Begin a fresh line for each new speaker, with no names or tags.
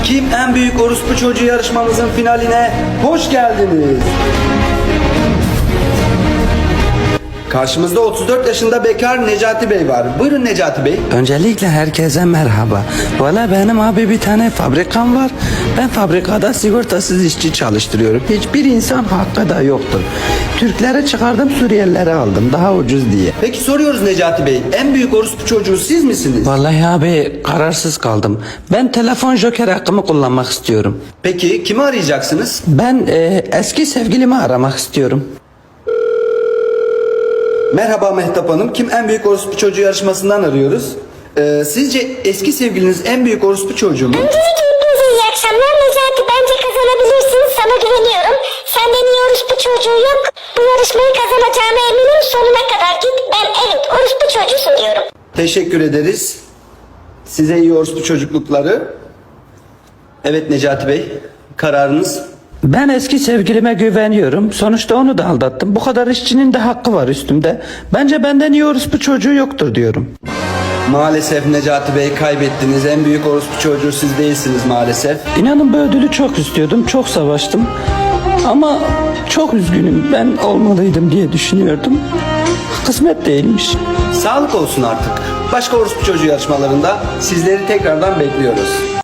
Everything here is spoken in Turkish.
Kim en büyük orospu çocuğu yarışmamızın finaline hoş geldiniz. Karşımızda 34 yaşında bekar Necati Bey var. Buyurun Necati Bey.
Öncelikle herkese merhaba. Valla benim abi bir tane fabrikam var. Ben fabrikada sigortasız işçi çalıştırıyorum. Hiçbir insan hakkı da yoktur. Türkleri çıkardım, Suriyelileri aldım daha ucuz diye.
Peki soruyoruz Necati Bey. En büyük orospu çocuğu siz misiniz?
Vallahi abi kararsız kaldım. Ben telefon joker hakkımı kullanmak istiyorum.
Peki kimi arayacaksınız?
Ben eski sevgilimi aramak istiyorum.
Merhaba Mehtap Hanım. Kim en büyük orospu çocuğu yarışmasından arıyoruz. Sizce eski sevgiliniz en büyük orospu çocuğu mu?
Öncelikle hepinize iyi akşamlar. Necati, bence kazanabilirsin. Sana güveniyorum. Senden iyi orospu çocuğu yok. Bu yarışmayı kazanacağına eminim. Sonuna kadar git. Ben evet orospu çocuğusun diyorum.
Teşekkür ederiz. Size iyi orospu çocuklukları. Evet Necati Bey. Kararınız?
Ben eski sevgilime güveniyorum. Sonuçta onu da aldattım. Bu kadar işçinin de hakkı var üstümde. Bence benden iyi orospu çocuğu yoktur diyorum.
Maalesef Necati Bey kaybettiniz. En büyük orospu çocuğu siz değilsiniz maalesef.
İnanın bu ödülü çok istiyordum. Çok savaştım. Ama çok üzgünüm. Ben olmalıydım diye düşünüyordum. Kısmet değilmiş.
Sağlık olsun artık. Başka orospu çocuğu yarışmalarında sizleri tekrardan bekliyoruz.